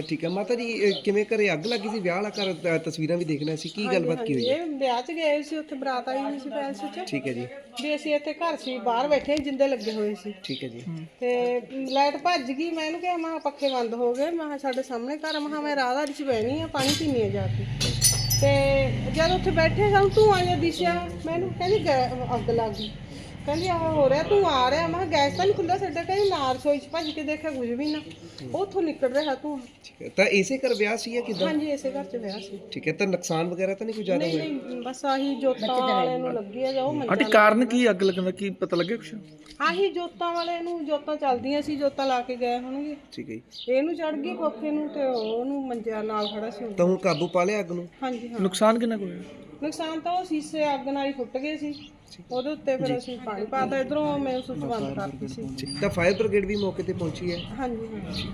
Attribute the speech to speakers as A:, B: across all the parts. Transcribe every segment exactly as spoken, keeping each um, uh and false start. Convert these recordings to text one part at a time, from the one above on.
A: ਠੀਕ ਹੈ ਮਾਤਾ ਜੀ, ਇਹ ਕਿਵੇਂ ਘਰੇ ਅੱਗ ਲੱਗੀ ਸੀ? ਵਿਆਹ ਵਾਲਾ ਘਰ, ਅ, ਤਸਵੀਰਾਂ ਵੀ ਦੇਖਣਾ ਸੀ, ਕੀ ਗੱਲਬਾਤ ਕੀ ਹੋਈ ਹੈ?
B: ਇਹ ਵਿਆਹ 'ਚ ਗਏ ਸੀ, ਉੱਥੇ ਬਰਾਤ ਆਈ ਹੋਈ ਸੀ ਪੈਲਸ 'ਚ।
A: ਠੀਕ ਹੈ ਜੀ।
B: ਵੀ ਅਸੀਂ ਇੱਥੇ ਘਰ ਸੀ, ਬਾਹਰ ਬੈਠੇ ਜਿੰਦੇ ਲੱਗੇ ਹੋਏ ਸੀ।
A: ਠੀਕ ਹੈ ਜੀ।
B: ਤੇ ਲਾਈਟ ਭੱਜ ਗਈ। ਮੈਂ ਇਹਨੂੰ ਕਿਹਾ, ਮੈਂ ਪੱਖੇ ਬੰਦ ਹੋ ਗਏ, ਮੈਂ ਕਿਹਾ ਸਾਡੇ ਸਾਹਮਣੇ ਘਰ, ਮੈਂ ਕਿਹਾ ਮੈਂ ਰਾਹਦਾਰੀ 'ਚ ਬਹਿਣੀ ਆ, ਪਾਣੀ ਪੀਣੀ ਆ ਜਾ ਕੇ। ਤੇ ਜਦ ਉੱਥੇ ਬੈਠੇ ਸਾਨੂੰ ਧੂੰਆਂ ਜਿਹਾ ਦਿਸਿਆ, ਮੈਨੂੰ ਕਹਿੰਦੀ ਗੈ- ਅੱਗ ਲੱਗ ਗਈ। ਕਹਿੰਦੀ ਆਹ ਹੋ ਰਿਹਾ, ਤੂੰ ਆ ਰਿਹਾ। ਮੈਂ ਕਿਹਾ ਗੈਸ ਤਾਂ ਨਹੀਂ ਖੁੱਲ੍ਹਾ ਸਾਡਾ। ਕਹਿੰਦੀ ਨਾ, ਰਸੋਈ 'ਚ ਭੱਜ ਕੇ ਦੇਖਿਆ ਕੁਝ ਵੀ ਨਾ, ਉੱਥੋਂ ਨਿਕਲ ਰਿਹਾ ਧੂੰਆਂ।
A: ਠੀਕ ਹੈ, ਤਾਂ ਇਸੇ ਘਰ ਵਿਆਹ ਸੀ ਜਾਂ ਕਿੱਦਾਂ?
B: ਹਾਂਜੀ, ਇਸੇ ਘਰ 'ਚ ਵਿਆਹ ਸੀ।
A: ਠੀਕ ਹੈ, ਤਾਂ ਨੁਕਸਾਨ ਵਗੈਰਾ ਤਾਂ ਨਹੀਂ ਕੋਈ ਜ਼ਿਆਦਾ
B: ਨਹੀਂ
A: ਹੋਇਆ?
B: ਨਹੀਂ, ਬਸ ਆਹੀ ਜੋਤਾਂ ਵਾਲੇ ਨੂੰ ਲੱਗੀ ਆ, ਜੋ
C: ਆਂਟੀ
B: ਮੰਜਾ
C: ਕਾਰਨ ਕੀ ਅੱਗ ਲੱਗਣ ਦਾ ਕੀ ਪਤਾ ਲੱਗਿਆ ਕੁਛ?
B: ਆਹੀ ਜੋਤਾਂ ਵਾਲੇ ਨੂੰ, ਜੋਤਾਂ ਚੱਲਦੀਆਂ ਸੀ, ਜੋਤਾਂ ਲਾ ਕੇ ਗਏ ਹੋਣਗੇ।
A: ਠੀਕ ਹੈ ਜੀ।
B: ਇਹਨੂੰ ਚੜ ਗਈ ਖੋਖੇ ਨੂੰ, ਤੇ ਉਹਨੂੰ ਮੰਜਿਆ ਨਾਲ ਖੜਾ ਸੀ।
A: ਤਾਂ ਹੁਣ ਕਾਬੂ ਪਾ ਲਿਆ ਅੱਗ ਨੂੰ?
B: ਹਾਂਜੀ ਹਾਂ।
C: ਨੁਕਸਾਨ ਕਿੰਨਾ ਕੁ ਹੋਇਆ?
B: ਨੁਕਸਾਨ ਤਾਂ ਉਹ ਸ਼ੀਸ਼ੇ ਅੱਗ ਨਾਲ ਹੀ ਫੁੱਟ ਗਏ ਸੀ, ਉਹਦੇ ਉੱਤੇ ਫਿਰ ਅਸੀਂ ਪਾਣੀ ਪਾਤਾ। ਇਧਰੋਂ ਮੈਂ ਸੁੱਚ ਬੰਦ ਕਰਤੀ ਸੀ।
A: ਠੀਕ, ਤਾਂ ਫਾਇਰ ਬ੍ਰਿਗੇਡ ਵੀ ਮੌਕੇ ਤੇ ਪਹੁੰਚੀ ਹੈ?
B: ਹਾਂਜੀ ਹਾਂਜੀ।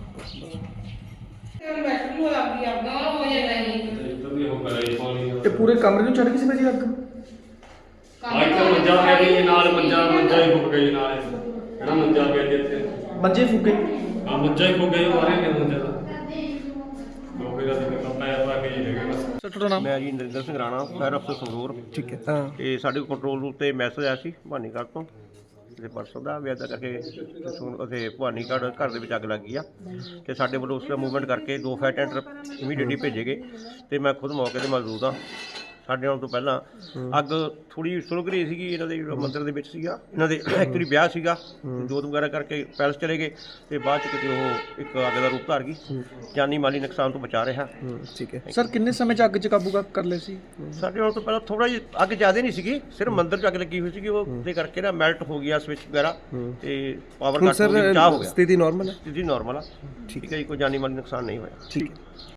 C: ਤੇ ਪੂਰੇ ਕਮਰੇ ਨੂੰ ਚੜ ਗਈ ਸੀ ਭਾਜੀ ਅੱਗ?
D: ਆਹ ਮੰਜਾ ਪਿਆ ਜੀ ਨਾਲ, ਮੰਜਾ ਮੰਜਾ ਹੀ ਫੁੱਕ ਗਈ ਨਾਲ, ਜਿਹੜਾ ਮੰਜਾ ਪਿਆ ਜੀ ਇੱਥੇ,
C: ਮੰਜੇ ਫੂਕੇ?
D: ਆ ਮੰਜਾ ਹੀ ਫੁੱਕ ਗਿਆ, ਮਾਰੇ ਨੇ ਮੰਜਾ ਦਾ ਉਹ ਫਿਰ ਅਸੀਂ ਪੈਰ ਪਾ ਕੇ ਜੀ ਲੈ ਗਏ ਬਸ।
C: ਸਰ ਤੁਹਾਡਾ ਨਾਮ?
E: ਮੈਂ ਜੀ ਨਰਿੰਦਰ ਸਿੰਘ ਰਾਣਾ, ਫਾਇਰ ਅਫਸਰ ਸੰਗਰੂਰ।
A: ਠੀਕ ਹੈ। ਤਾਂ
E: ਤੇ ਸਾਡੇ ਕੰਟਰੋਲ ਰੂਮ ਤੇ ਮੈਸੇਜ ਆਇਆ ਸੀ ਭਵਾਨੀਗੜ੍ਹ ਤੋਂ, ਤੇ ਪਰਸੋਂ ਦਾ ਵੀ ਇੱਦਾਂ ਕਰਕੇ ਉੱਥੇ ਭਵਾਨੀਗੜ੍ਹ ਘਰ ਦੇ ਵਿੱਚ ਅੱਗ ਲੱਗ ਗਈ ਆ। ਤੇ ਸਾਡੇ ਵੱਲੋਂ ਉਸ ਦਾ ਮੂਵਮੈਂਟ ਕਰਕੇ ਦੋ ਫਾਇਰ ਟੈਂਡਰ ਇਮੀਡੀਏਟਲੀ ਭੇਜੇ ਗਏ, ਤੇ ਮੈਂ ਖੁਦ ਮੌਕੇ ਤੇ ਮੌਜੂਦ ਹਾਂ। ਸਾਡੇ ਆਉਣ ਤੋਂ ਪਹਿਲਾਂ ਅੱਗ ਥੋੜੀ ਸੁਲਗ ਰਹੀ ਸੀਗੀ, ਇਹਨਾਂ ਦੇ ਜਿਹੜਾ ਮੰਦਿਰ ਦੇ ਵਿੱਚ ਸੀਗਾ, ਇਹਨਾਂ ਦੇ ਐਕਚੁਅਲੀ ਵਿਆਹ ਸੀਗਾ, ਜੋਤ ਵਗੈਰਾ ਕਰਕੇ ਪੈਲਸ ਚਲੇ ਗਏ, ਤੇ ਬਾਅਦ ਚ ਕਿਤੇ ਉਹ ਇੱਕ ਅੱਗ ਦਾ ਰੂਪ ਧਾਰ ਗਈ। ਜਾਨੀ ਮਾਲੀ ਨੁਕਸਾਨ ਤੋਂ ਬਚਾ ਰਿਹਾ।
A: ਠੀਕ ਹੈ।
C: ਸਰ ਕਿੰਨੇ ਸਮੇਂ ਚ ਅੱਗ ਚ ਕਾਬੂ ਕਰ- ਕਰ ਲਿਆ ਸੀ?
E: ਸਾਡੇ ਆਉਣ ਤੋਂ ਪਹਿਲਾਂ ਥੋੜਾ ਜਿਹਾ ਅੱਗ ਜ਼ਿਆਦਾ ਨਹੀਂ ਸੀਗੀ, ਸਿਰਫ ਮੰਦਿਰ 'ਚ ਅੱਗ ਲੱਗੀ ਹੋਈ ਸੀਗੀ, ਉਹ ਦੇ ਕਰਕੇ ਨਾ ਮੈਲਟ ਹੋ ਗਿਆ ਸਵਿਚ ਵਗੈਰਾ, ਤੇ ਪਾਵਰ
A: ਹੁਣ
E: ਕੱਟ ਹੋ ਗਿਆ,
A: ਸਰ
E: ਬਚਾਅ ਹੋ ਗਿਆ।
A: ਸਥਿਤੀ ਨਾਰਮਲ ਹੈ?
E: ਸਥਿਤੀ ਨਾਰਮਲ ਆ, ਠੀਕ ਹੈ ਜੀ, ਕੋਈ ਜਾਨੀ ਮਾਲੀ ਨੁਕਸਾਨ ਨਹੀਂ ਹੋਇਆ।
A: ਠੀਕ ਹੈ।